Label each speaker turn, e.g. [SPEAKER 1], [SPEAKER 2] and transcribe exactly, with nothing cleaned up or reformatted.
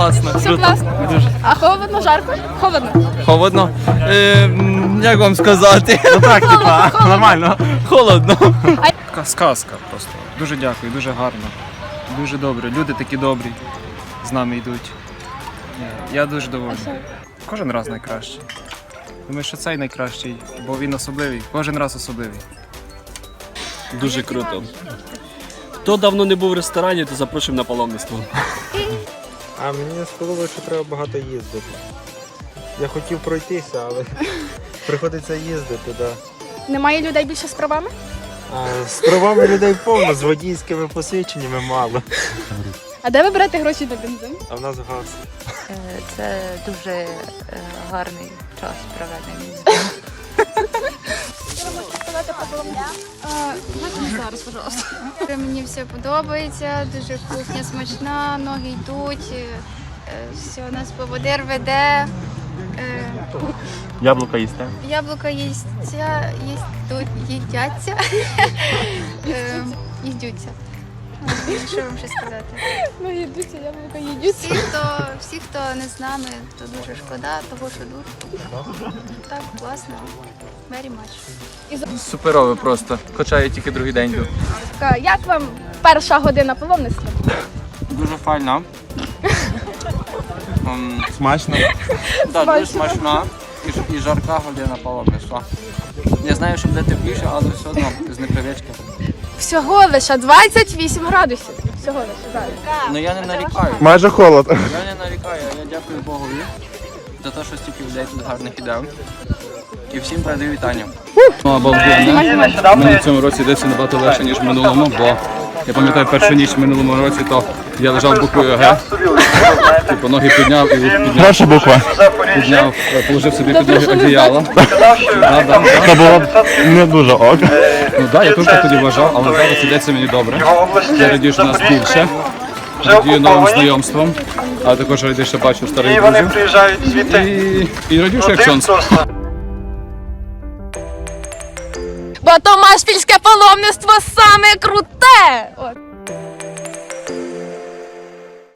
[SPEAKER 1] класно.
[SPEAKER 2] Все
[SPEAKER 1] Круто.
[SPEAKER 2] класно.
[SPEAKER 1] Дуже.
[SPEAKER 2] А холодно, жарко? Холодно.
[SPEAKER 1] Холодно. Е, м, як вам сказати?
[SPEAKER 3] Ну так, типа, нормально.
[SPEAKER 1] Холодно.
[SPEAKER 3] Така сказка просто. Дуже дякую, дуже гарно. Дуже добре. Люди такі добрі. З нами йдуть. Ні, Я дуже довольний. Кожен раз найкращий. Думаю, що цей найкращий, бо він особливий. Кожен раз особливий.
[SPEAKER 4] Дуже круто. Хто давно не був в ресторані, то запрошуємо на паломництво.
[SPEAKER 5] А мені сподобалося, що треба багато їздити. Я хотів пройтися, але приходиться їздити, да.
[SPEAKER 2] Немає людей більше з правами?
[SPEAKER 5] А з правами людей повно, з водійськими посвідченнями мало.
[SPEAKER 2] А де ви берете гроші на бензин?
[SPEAKER 5] А в нас газ.
[SPEAKER 6] Це дуже гарний час проведений.
[SPEAKER 2] Що ви можете сказати про Коломию? Зараз, пожалуйста.
[SPEAKER 7] Мені все подобається, дуже кухня смачна, ноги йдуть, е, все, нас поводир веде. Е,
[SPEAKER 3] Яблука їсте?
[SPEAKER 7] Яблука їсться, їсть, їдяться, е, їдються. Що вам ще сказати?
[SPEAKER 2] Ну, їдуться, яблука їдуться.
[SPEAKER 7] Всі, хто, всі, хто не з нами, то дуже шкода, того, що дуже. Так, класно. Very much.
[SPEAKER 1] Суперово просто. Хоча я тільки другий день тут.
[SPEAKER 2] Як вам перша година паломництва?
[SPEAKER 1] Дуже файно.
[SPEAKER 5] Смачно.
[SPEAKER 1] Так, дуже смачна і, і жарка година паломництва. Я знаю, що буде тепліше, але все одно з непривички.
[SPEAKER 2] Всього лише двадцять вісім градусів. Всього лише, так.
[SPEAKER 1] Ну я не нарікаю.
[SPEAKER 5] Майже холод.
[SPEAKER 1] Я не нарікаю, я дякую Богові за те, що стільки людей тут гарних ідей. І всім передаю вітання.
[SPEAKER 8] Обалденно. Мені в цьому році йдеться набагато легше, ніж в минулому, бо я пам'ятаю першу ніч в минулому році, то я лежав буквою Г, типу ноги підняв і підняв.
[SPEAKER 5] Перша буква.
[SPEAKER 8] Підняв, положив собі під ноги одіяло. Да, да,
[SPEAKER 5] Це
[SPEAKER 8] да.
[SPEAKER 5] було не дуже ок.
[SPEAKER 8] Ну так, я теж так тоді вважав, але зараз йдеться мені добре. Я радію, що нас більше. Радію новим знайомством, а також радію, що бачу старих друзів. І, і радію, що як сонце.
[SPEAKER 2] Бо Томашпільське паломництво саме круте! От.